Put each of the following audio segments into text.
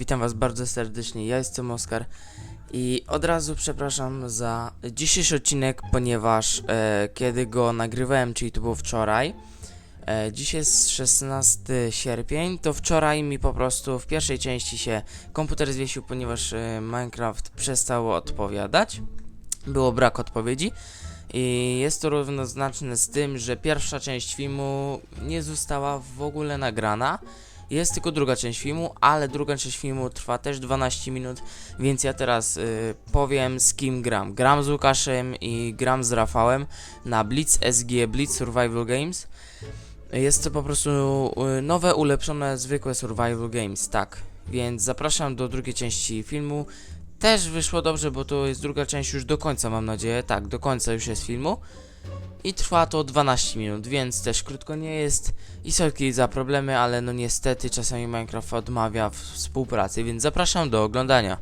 Witam was bardzo serdecznie, ja jestem Oskar i od razu przepraszam za dzisiejszy odcinek, ponieważ kiedy go nagrywałem, czyli to było wczoraj, dziś jest 16 sierpień, to wczoraj mi po prostu w pierwszej części się komputer zwiesił, ponieważ Minecraft przestał odpowiadać, było brak odpowiedzi. I jest to równoznaczne z tym, że pierwsza część filmu nie została w ogóle nagrana. Jest tylko druga część filmu, ale druga część filmu trwa też 12 minut, więc ja teraz powiem, z kim gram. Gram z Łukaszem i gram z Rafałem na Blitz SG, Blitz Survival Games. Jest to po prostu nowe, ulepszone, zwykłe Survival Games, tak. Więc zapraszam do drugiej części filmu. Też wyszło dobrze, bo to jest druga część już do końca, mam nadzieję. Tak, do końca już jest filmu. I trwa to 12 minut, więc też krótko nie jest. I sorki za problemy, ale no niestety czasami Minecraft odmawia współpracy, więc zapraszam do oglądania.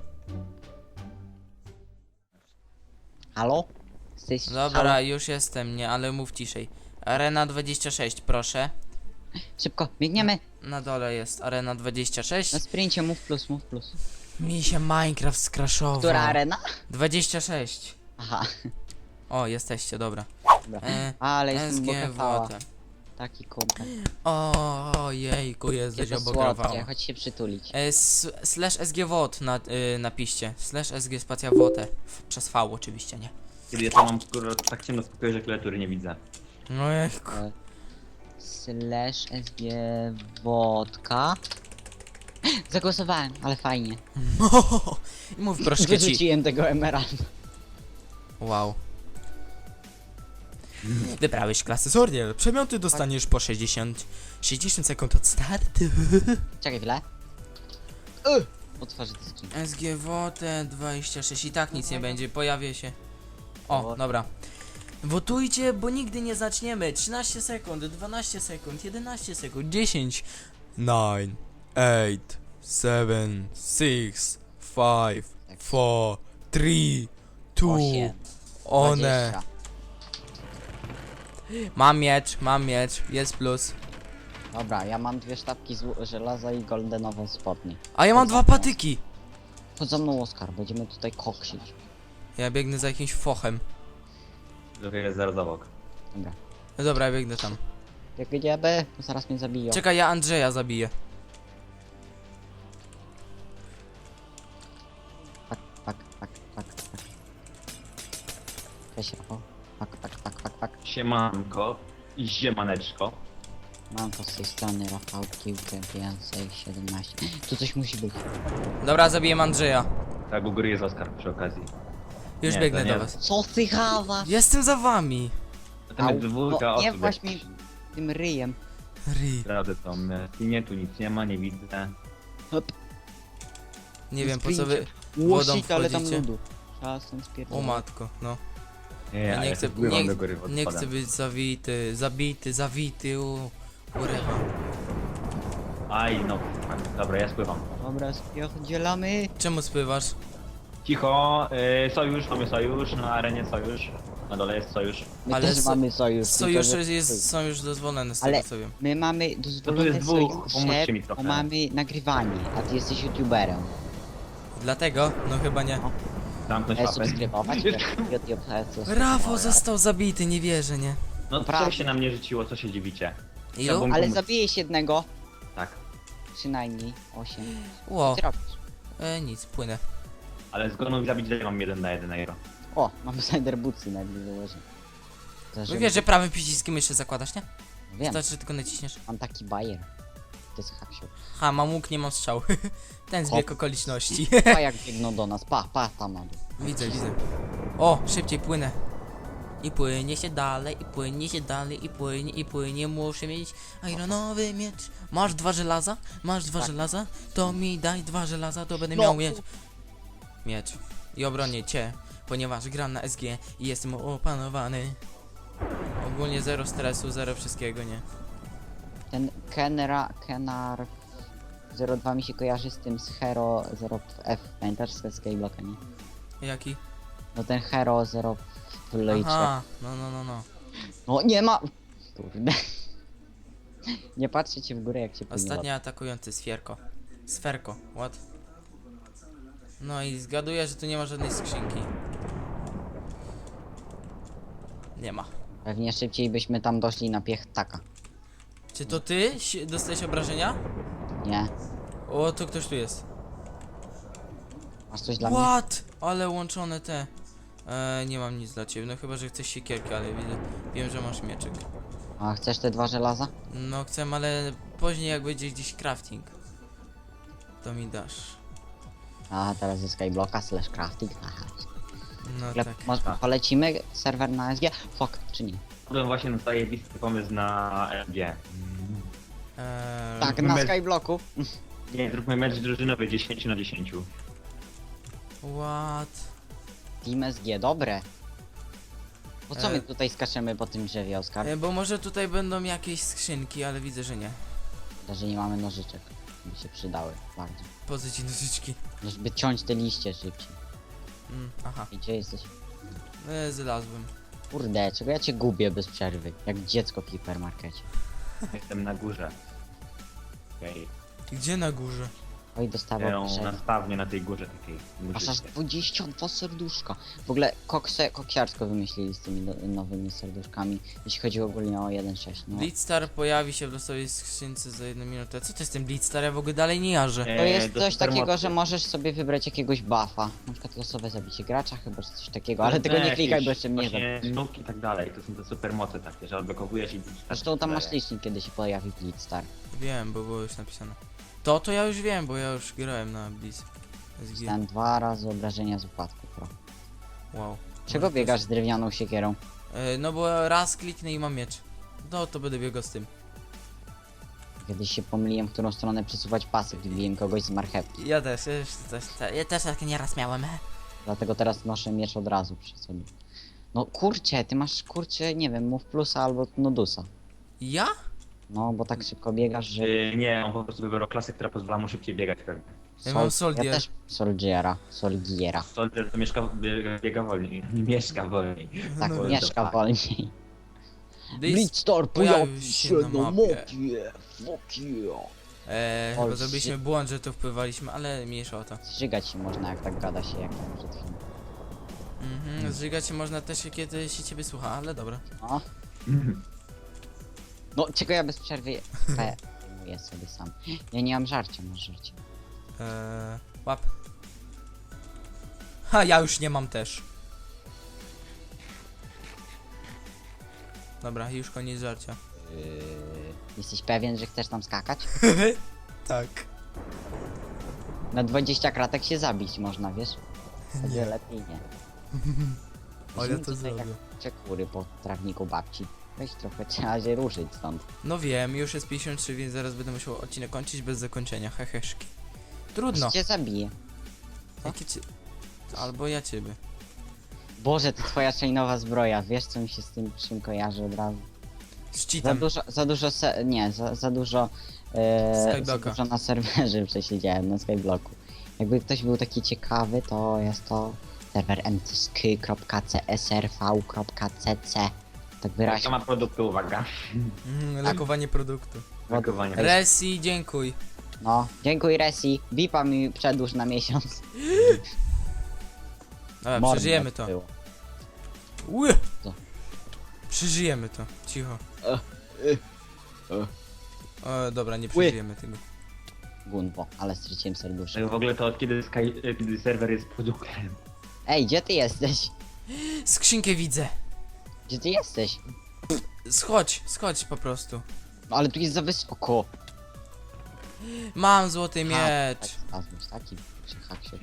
Halo? Dobra, Halo? już jestem, nie, ale mów ciszej. Arena 26, proszę. Szybko, biegniemy! Na dole jest Arena 26. Na sprincie, mów plus, mów plus. Mi się Minecraft skraszował. Która arena? 26. Aha. O, jesteście, dobra. Dobra. E, Ale jestem SG bokafała. Wote. Taki kurde. O, jejku, jesteś Jakie obograwała. słodkie, chodź się przytulić. Slash SGWOT napiszcie. Slash SG spacja WOTE. Przez V oczywiście, nie? Kiedy ja to mam skoro tak ciemno spokoju, że klawiatury nie widzę. No jejku. Slash SG wodka. Zagłosowałem, ale fajnie. Mów troszkę ci. Wyrzuciłem tego emeralda. Wow. Wybrałeś klasę Sordiel. Przemioty dostaniesz po 60 sekund od startu. Czekaj chwilę. Otworzę to skrzynkę. SGWOT 26 i tak nic nie będzie, pojawię się. O, O. dobra. Wotujcie, bo nigdy nie zaczniemy. 13 sekund, 12 sekund, 11 sekund, 10 9 8 7 6 5 4 3 2 8, one. 20. Mam miecz, jest plus. Dobra, ja mam dwie sztabki żelaza i goldenowe spodnie. A ja mam dwa patyki. Chodź za mną, Oskar, będziemy tutaj koksić. Ja biegnę za jakimś fochem. Trochę jest zaraz obok. Dobra. No dobra, ja biegnę tam. Jak wiedziemy, to zaraz mnie zabiją. Czekaj, ja Andrzeja zabiję. Pak. Cześć, Rafał. Pak. Siemanko i ziemaneczko. Mam to z tej strony, Rafał, piłkę więcej, 17. Tu coś musi być. Dobra, zabiję Andrzeja. Tak, u góry jest Oskar przy okazji. Już Nie, biegnę to nie. do was. Co ty chawasz? Jestem za wami. Tam jest dwójka nie osób. właśnie tym ryjem. Ri. Naprawdę to my. I nie, tu nic nie ma, nie widzę. Hop. Nie wiem po co wy wodą Łosik, ale tam wchodzicie. ludu. Czasem spierdolę. O matko, no. Nie, Ja ja nie nie chcę, pływam do góry nie chcę być zabity, urywa. Aj, no. Dobra, ja spływam. Dobra, spierdzielamy. Czemu spływasz? Cicho, sojusz, mamy sojusz, na arenie sojusz. Na dole jest sojusz. My Ale też so- mamy sojusz. Sojusze tylko że- są już dozwolone z Ale- tego co wiem. My mamy dozwolone jest dwóch, sojusze, pomóżcie mi bo trochę. mamy nagrywanie, a ty jesteś youtuberem. Dlatego? No chyba nie. Zamknąć łapę. Subskrybować, YouTube, Rafał został zabity, nie wierzę, nie? No Prawda. co się na mnie rzuciło, co się dziwicie? Ilu? Chciałbym- Ale zabijesz jednego. Tak. Przynajmniej 8. Ło, Co ty robisz? nic, płynę. Ale zgonów zabić daję mam 1 na 1. O, mamy Cider Bootsy najpierw założę. No wiesz, że prawym przyciskiem jeszcze zakładasz, nie? Wiem, Wystarczy, że tylko naciśniesz. mam taki bajer. To jest haksiu. Ha, mam łuk, nie mam strzał. Ten zbieg okoliczności. Pa jak biegną do nas, pa, tam na dół. Widzę. O, szybciej płynę. I płynie się dalej, i płynie się dalej, i płynie. Muszę mieć ironowy miecz. Masz 2 żelaza? Masz 2 Tak. żelaza? To mi daj 2 żelaza, to będę No. miał miecz. I obronię cię, ponieważ gram na SG i jestem opanowany. Ogólnie zero stresu, zero wszystkiego, nie? Ten Kenar 02 mi się kojarzy z tym z Hero 0F. Pamiętasz z Skyblocka, nie? Jaki? No ten Hero 0 w Lejcze. Aha, no. No nie ma! Kurde. Nie patrzcie w górę jak się płynie. Ostatnio atakujący Sferko. What? No i zgaduję, że tu nie ma żadnej skrzynki. Nie ma. Pewnie szybciej byśmy tam doszli na piechtaka. Czy to ty dostałeś obrażenia? Nie? O, to ktoś tu jest. Masz coś dla mnie? What? Ale łączone te. Nie mam nic dla ciebie, no chyba, że chcesz siekierkę, ale wiem, że masz mieczyk. A chcesz te 2 żelaza? No chcę, ale później jak będzie gdzieś crafting, to mi dasz. A teraz jest Skyblocka / crafting. Aha. No Ale tak. może polecimy serwer na SG? Fuck, czy nie? Wpadłem właśnie na zajebisty pomysł na LG. Tak, na my- Skyblocku. Nie, zróbmy mecz drużynowy 10 na 10. What? Team SG, dobre. Po co E. my tutaj skaczemy po tym drzewie, Oskar? Bo może tutaj będą jakieś skrzynki, ale widzę, że nie. Że nie mamy nożyczek. By się przydały bardzo. Po co ci nożyczki? Żeby ciąć te liście szybciej. Aha, I gdzie jesteś? znalazłem. Kurde, czego ja cię gubię bez przerwy? Jak dziecko w hipermarkecie. Jestem na górze. Okej. Gdzie na górze? Oj, dostawał Okay. przerwę. Na stawnie na tej górze takiej. Masz aż 22 serduszka. W ogóle koksiarsko wymyślili z tymi nowymi serduszkami. Jeśli chodzi ogólnie o 1.6, no. Blitzstar pojawi się w losowej skrzynce za 1 minutę. Co to jest ten Blitzstar? Ja w ogóle dalej nie jarzę. To jest do coś takiego, supermocy. że możesz sobie wybrać jakiegoś buffa. Na przykład losowe zabicie gracza, chyba czy coś takiego, ale tego nie jakieś klikaj, bo jeszcze mnie właśnie zabić. nóg i tak dalej, to są te supermoce takie, że odblokowujesz i... Zresztą tam masz licznik, kiedy się pojawi Blitzstar. Wiem, bo było już napisane. To ja już wiem, bo ja już grałem na Blitz. SG. Dostałem 2 razy obrażenia z upadku, pro. Wow. Czego Może biegasz z drewnianą siekierą? No bo raz kliknę i mam miecz. No to będę biegał z tym. Kiedyś się pomyliłem, w którą stronę przesuwać pasy, gdy biłem kogoś z marchewki. Ja też tak nieraz miałem. Dlatego teraz noszę miecz od razu przy sobie. No kurczę, ty masz kurczę, nie wiem, mów plusa albo nodusa. Ja? No, bo tak szybko biegasz, że... Nie, on po prostu wybrał klasę, która pozwala mu szybciej biegać pewnie. Ja mam Soldier. Ja też Soldiera. Soldier to biega wolniej. Mieszka wolniej. Tak, No, mieszka tak. wolniej. Blitz Blitzstar pojawił się na mapie. Fuck yeah. Chyba Oj, zrobiliśmy błąd, że to wpływaliśmy, ale mniejsza o to. Zżygać się można, jak tak gada się, jak tam przed chwilą. Zżygać się można też, kiedy się ciebie słucha, ale dobra. No. No, czego ja bez przerwy zajmuję sobie sam. Ja nie mam żarcia, masz żarcie. Łap. Ha, ja już nie mam też. Dobra, już koniec żarcia. Jesteś pewien, że chcesz tam skakać? Tak. Na 20 kratek się zabić można, wiesz? Wtedy lepiej nie. Ale Weźmy to tutaj zrobię. jak czekury po trawniku babci. Weź trochę, trzeba się ruszyć stąd. No wiem, już jest 53, więc zaraz będę musiał odcinek kończyć bez zakończenia. Heheszki. Trudno. Aż cię zabije. Jakie ci... Albo ja ciebie. Boże, to twoja chainowa zbroja, wiesz co mi się z tym czym kojarzy od razu? Z Za cheatem. dużo, za dużo, za Skyblocka. dużo na serwerze przesiedziałem, na Skyblocku. Jakby ktoś był taki ciekawy, to jest to serwer mtsk.csrv.cc. Tak To wyraźnie. ma produkty, uwaga. Lokowanie produktu. Lokowanie. Resi, dziękuj. No, dziękuję Resi, Bipa mi przedłuż na miesiąc. Dobra, Mordo przeżyjemy to. było. Ły! Co? Przeżyjemy to. Cicho. O, dobra, nie przeżyjemy tego. Gunwo, ale straciłem serduszko. W ogóle to od kiedy, kiedy serwer jest produktem. Ej, gdzie ty jesteś? Skrzynkę widzę. Gdzie ty jesteś? Schodź po prostu. No ale tu jest za wysoko. Mam złoty miecz. Taki przyhak się.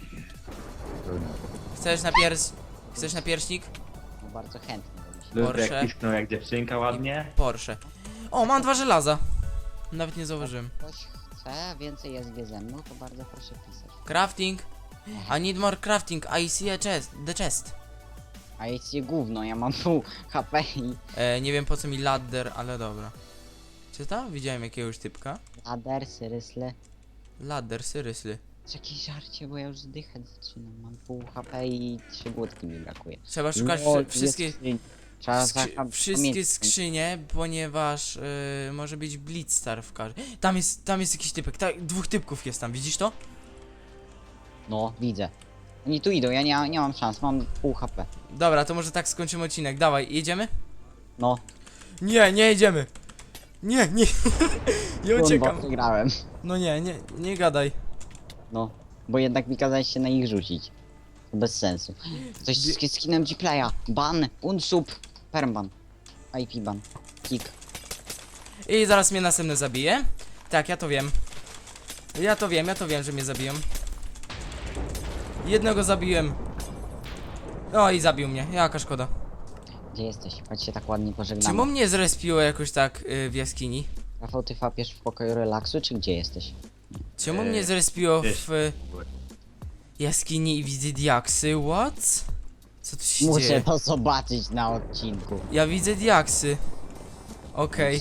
Chcesz na pierśnik? No bardzo chętnie bym się. Ludzie Porsche. jak pisknął jak dziewczynka ładnie. Porsche. O, mam 2 żelaza. Nawet nie zauważyłem. Ktoś chce więcej SG ze mną, to bardzo proszę pisać. Crafting. I need more crafting. I see a chest. The chest. A jest je gówno, ja mam pół HP i Nie wiem po co mi ladder, ale dobra. Czy tam widziałem jakiegoś typka? lader, syrysle. Ladder, seriously. Jakieś żarcie, bo ja już zdychać zaczynam. Mam pół HP i 3 głódki mi brakuje. Trzeba szukać No, wszystkie... jest skrzyń. Trzeba Wszystkie pamiętać. skrzynie, ponieważ może być Blitzstar w każdym. Tam jest jakiś typek, 2 typków jest tam, widzisz to? No, widzę. Oni tu idą, ja nie mam szans, mam pół HP. Dobra, to może tak skończymy odcinek. Dawaj, jedziemy? No, Nie, nie jedziemy. Nie, nie. Ja uciekam. Przegrałem. No nie gadaj. No, bo jednak mi kazałeś się na nich rzucić. To bez sensu. Coś z skinem Gplaya. Ban, unsub, permban. IP ban. Kick. I zaraz mnie następny zabije. Tak, ja to wiem. Ja to wiem, że mnie zabiją. Jednego zabiłem. O, i zabił mnie. Jaka szkoda. Gdzie jesteś? Chodź się tak ładnie pożegnamy. Czemu mnie zrespiło jakoś tak w jaskini? Rafał, ty fapiesz w pokoju relaksu, czy gdzie jesteś? Czemu mnie zrespiło gdzieś. w jaskini i widzę diaksy? What? Co tu się Muszę dzieje? to zobaczyć na odcinku. Ja widzę diaksy. Okej.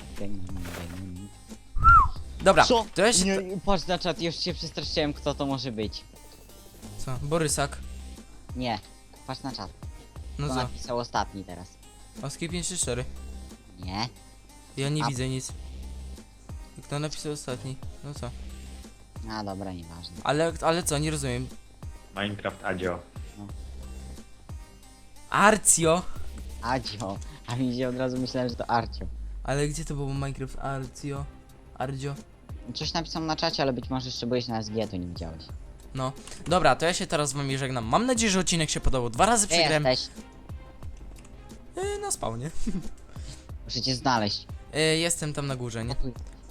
Dobra, Co? to ja się... Nie, patrz na czat, już się przestraszyłem, kto to może być. Co? Borysak? Nie, patrz na czat. No Kto co? napisał ostatni teraz? Oski 534. Nie. Ja nie A- widzę nic. Kto napisał ostatni? No co? A dobra, nieważne. Ale co? Nie rozumiem. Minecraft Adio. Arcio? Adzio. A mi się od razu myślałem, że to Arcio. Ale gdzie to było Minecraft Arcio? Ardzio? Coś napisał na czacie, ale być może jeszcze byłeś na SG, to nie widziałeś. No. Dobra, to ja się teraz z wami żegnam. Mam nadzieję, że odcinek się podobał. 2 razy Gdzie przegrałem. jesteś? Na spawnie. Muszę cię znaleźć. Jestem tam na górze, nie?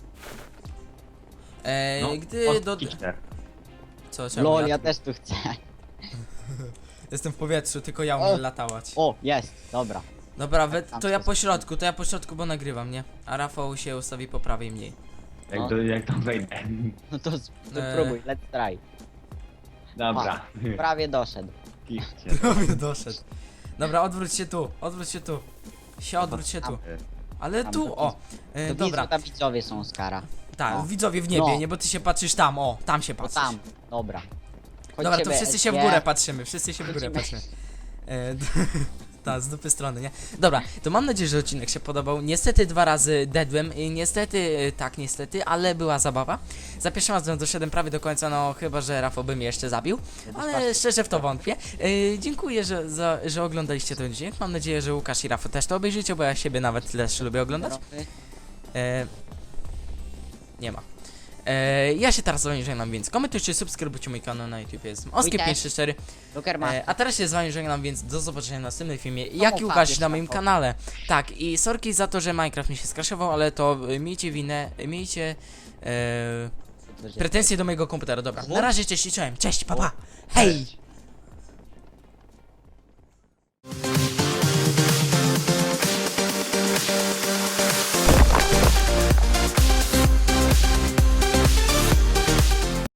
No, Gdy do... Kitchener. Co? Czemu? Lol, Ja... ja też tu chcę. Jestem w powietrzu, tylko ja O! umiem latać. O, jest, dobra. Dobra, tam to ja wszystko. po środku, bo nagrywam, nie? A Rafał się ustawi po prawej mniej. No. Jak tam wejdę. No to Eee. spróbuj, let's try. Dobra. Prawie doszedł. Kitchener. Prawie doszedł. Dobra, odwróć się tu. Odwróć się tu. Ale Tam, tu, to o. To Dobra, tam widzowie są Oskara. tak, o. widzowie w niebie, No. nie? Bo ty się patrzysz tam, o, tam się No patrzysz. tam, dobra. Chodź Dobra, to ciebie, wszyscy się w SG. górę patrzymy, wszyscy się w górę Lecimy. patrzymy. Tak, z dupy strony, nie? Dobra, to mam nadzieję, że odcinek się podobał. Niestety 2 razy deadłem, niestety, tak niestety, ale była zabawa. Za pierwszym razem doszedłem prawie do końca, no chyba, że Rafał by mnie jeszcze zabił, ale szczerze w to wątpię. Dziękuję, że oglądaliście ten odcinek. Mam nadzieję, że Łukasz i Rafał też to obejrzycie, bo ja siebie nawet też lubię oglądać. E, nie ma. Ja się teraz z wami żegnam, więc komentujcie, subskrybujcie mój kanał na YouTube, jestem Oski534. Lukerman. A teraz się z wami żegnam, więc do zobaczenia w następnym filmie, No jak i mów, Łukasz wiesz, na moim Rafał. kanale. Tak, i sorki za to, że Minecraft mi się skraszował, ale to miejcie winę, miejcie pretensje do mojego komputera. Dobra, na razie, cześć i czołem, cześć, pa pa, hej!